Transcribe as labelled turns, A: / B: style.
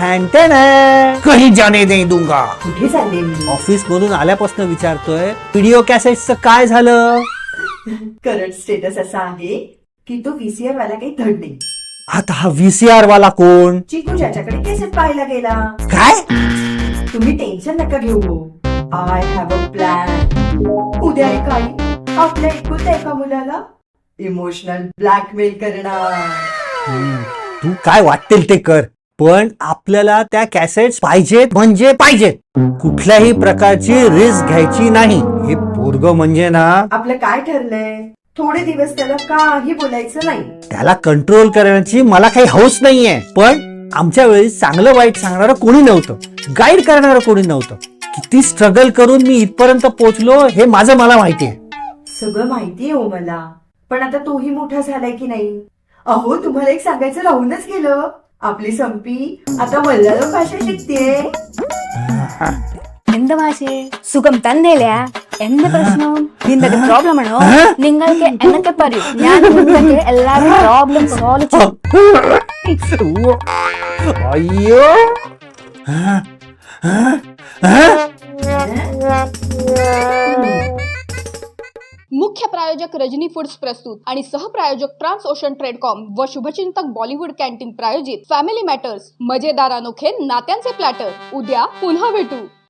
A: ठॅन कहीं जाने नहीं दूंगा.
B: कुठे चालले मी?
A: ऑफिस मधून आल्यापासून विचारतोय व्हिडिओ कॅसेटचं काय झालं.
B: करंट स्टेटस असा आहे की तो व्हीसीआर वाला काही धड नाही.
A: आता हा व्हीसीआर वाला कोण?
B: चिकू ज्याच्याकडे केसेट पाहायला गेला.
A: काय?
B: तुम्ही टेन्शन नका घेऊ. I have a plan. उद्या काही आपल्या एकुलत्या एका मुलाला इमोशनल ब्लॅकमेल करणार.
A: तू काय वाटेल ते कर, पण आपल्याला त्या कॅसेट्स पाहिजेत म्हणजे पाहिजेत. कुठल्याही प्रकारची रिस्क घ्यायची नाही. हे पोरग म्हणजे ना,
B: आपलं काय ठरलंय? थोडे दिवस त्याला काही बोलायचं नाही.
A: त्याला कंट्रोल करण्याची मला काही हौस नाहीये, पण आमच्या वेळी चांगलं वाईट सांगणारं कोणी नव्हतं, गाईड करणारं कोणी नव्हतं. किती स्ट्रगल करून मी इथपर्यंत पोहोचलो हे माझं मला माहितीये.
B: सगळं माहितीये हो मला, पण आता तोही मोठा झालाय की नाही. अहो तुम्हाला एक सांगायचं राहूनच गेलं. आपली संपी आता मल्याळम ഭാഷ शिकतेय.
C: എന്ത് ഭാഷേ സുഖം തന്നെയല്ലേ? എന്ത് പ്രശ്നം? നിന്റെ പ്രോബ്ലം ആണോ? നിങ്ങൾക്ക് എന്നൊക്കെ പറയൂ, ഞാൻ നിങ്ങൾക്ക് എല്ലാവരും പ്രോബ്ലം സോൾവ് ചെയ്യും.
A: अय्यो.
D: मुख्य प्रायोजक रजनी फूड्स प्रस्तुत आणि सहप्रायोजक ट्रान्स ओशन ट्रेडकॉम व शुभचिंतक बॉलिवूड कॅन्टीन प्रायोजित फॅमिली मॅटर्स, मजेदार अनोखे नात्यांचे प्लॅटर. उद्या पुन्हा भेटू.